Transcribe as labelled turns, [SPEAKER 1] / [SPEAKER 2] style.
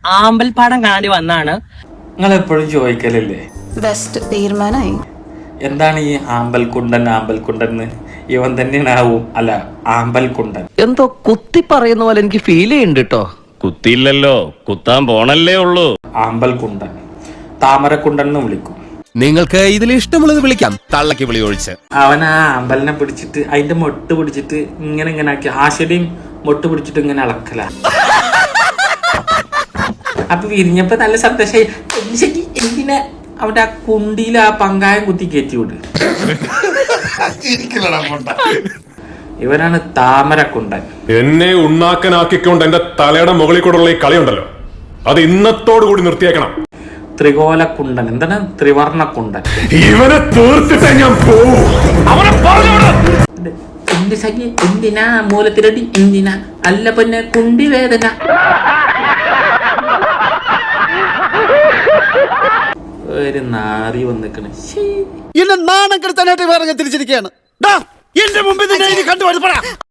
[SPEAKER 1] ആമ്പൽപ്പാടം കാണാണ്ടി വന്നാണ്.
[SPEAKER 2] നിങ്ങൾ എപ്പോഴും ചോദിക്കലല്ലേ
[SPEAKER 3] ബെസ്റ്റ് തീരുമാനമായി.
[SPEAKER 2] എന്താണ് ഈ ആമ്പൽക്കുണ്ടൻ ഇവൻ തന്നെയാവും അല്ല ആമ്പൽക്കുണ്ടൻ?
[SPEAKER 4] എന്തോ കുത്തി പറയുന്ന പോലെ എനിക്ക് ഫീൽ ചെയ്യുന്നുണ്ട് കേട്ടോ.
[SPEAKER 5] കുത്തിയില്ലല്ലോ, കുത്താൻ പോണല്ലേ ഉള്ളൂ.
[SPEAKER 2] ആമ്പൽക്കുണ്ടൻ, താമരക്കുണ്ടൻ എന്ന് വിളിക്കും.
[SPEAKER 6] നിങ്ങൾക്ക് ഇതിൽ ഇഷ്ടമുള്ളത് വിളിക്കാം, തള്ളക്ക് വിളി ഒഴിച്ച്.
[SPEAKER 2] അവൻ ആ ആമ്പലിനെ പിടിച്ചിട്ട് അതിന്റെ മൊട്ട് പിടിച്ചിട്ട് ഇങ്ങനെ ആക്കി ആശയുടെയും മൊട്ട് പിടിച്ചിട്ട് ഇങ്ങനെ അളക്കല. അപ്പൊ വിരിഞ്ഞപ്പോ നല്ല സന്തോഷായി. എന്തിനാ അവിടെ ആ കുണ്ടിയിൽ ആ പങ്കായം കുത്തി കയറ്റി വിട്. ഇവനാണ് താമരക്കുണ്ടൻ.
[SPEAKER 7] എന്നെ ഉണ്ണാക്കനാക്കിക്കൊണ്ട് എന്റെ തലയുടെ മുകളിൽ കൂടെയുള്ള ഈ കളിയുണ്ടല്ലോ, അത് ഇന്നത്തോടു കൂടി നിർത്തിയേക്കണം.
[SPEAKER 2] ത്രികോലക്കുണ്ടൻ, എന്താണ് ത്രിവർണക്കുണ്ടൻ.
[SPEAKER 7] ഇവനെ തീർത്തിട്ടേ ഞാൻ പോവും.
[SPEAKER 2] എന്റെ സഖി എന്തിനാ മൂലത്തിരടി, എന്തിനാ അല്ല പിന്നെ കുണ്ടി വേദന. ഒരു നാറി വന്നിക്കണ്.
[SPEAKER 8] എന്നെ നാണം കെടുത്താനായിട്ട് വേറെ തിരിച്ചിരിക്കുകയാണ്. എന്റെ മുമ്പിൽ കണ്ടുപോയി